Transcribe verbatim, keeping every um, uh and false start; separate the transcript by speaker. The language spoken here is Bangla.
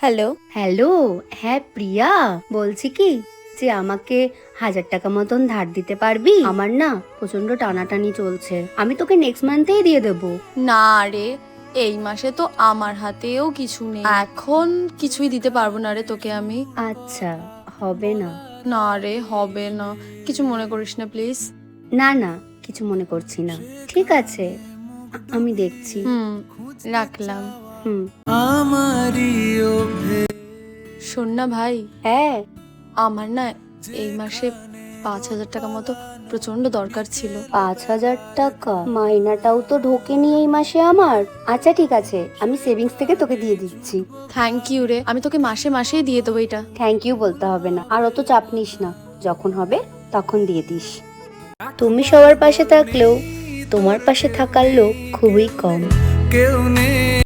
Speaker 1: হ্যালো।
Speaker 2: হ্যালো। হ্যাঁ প্রিয়া, বলছি কি যে আমাকে হাজার টাকা মতন ধার দিতে পারবি? আমার না প্রচন্ড টানাটানি চলছে, আমি তোকে নেক্সট মান্থেই দিয়ে দেবো।
Speaker 1: না রে, এই মাসে তো আমার হাতেও কিছু নেই, এখন কিছুই দিতে পারবো না রে তোকে আমি।
Speaker 2: আচ্ছা, হবে না।
Speaker 1: না রে, হবে না, কিছু মনে করিস না প্লিজ।
Speaker 2: না না, কিছু মনে করছি না, ঠিক আছে, আ- আমি দেখছি।
Speaker 1: হুম, রাখলাম।
Speaker 2: হুম।
Speaker 1: শোন না ভাই,
Speaker 2: হ্যাঁ।
Speaker 1: আমার না এই মাসে পাঁচ হাজার টাকা মতো প্রচন্ড দরকার ছিল।
Speaker 2: পাঁচ হাজার টাকা মাইনাটাও তো ঢোকেনি এই মাসে আমার। আচ্ছা ঠিক আছে, আমি সেভিংস থেকে তোকে দিয়ে দিচ্ছি।
Speaker 1: থ্যাংক ইউ রে, আমি তোকে মাসে মাসেই দিয়ে দেবো এটা।
Speaker 2: থ্যাংক ইউ বলতে হবে না, আর অত চাপ নিস না, যখন হবে তখন দিয়ে দিস। তুমি সবার পাশে থাকলেও তোমার পাশে থাকার লোক খুবই কম। কেউ নেই।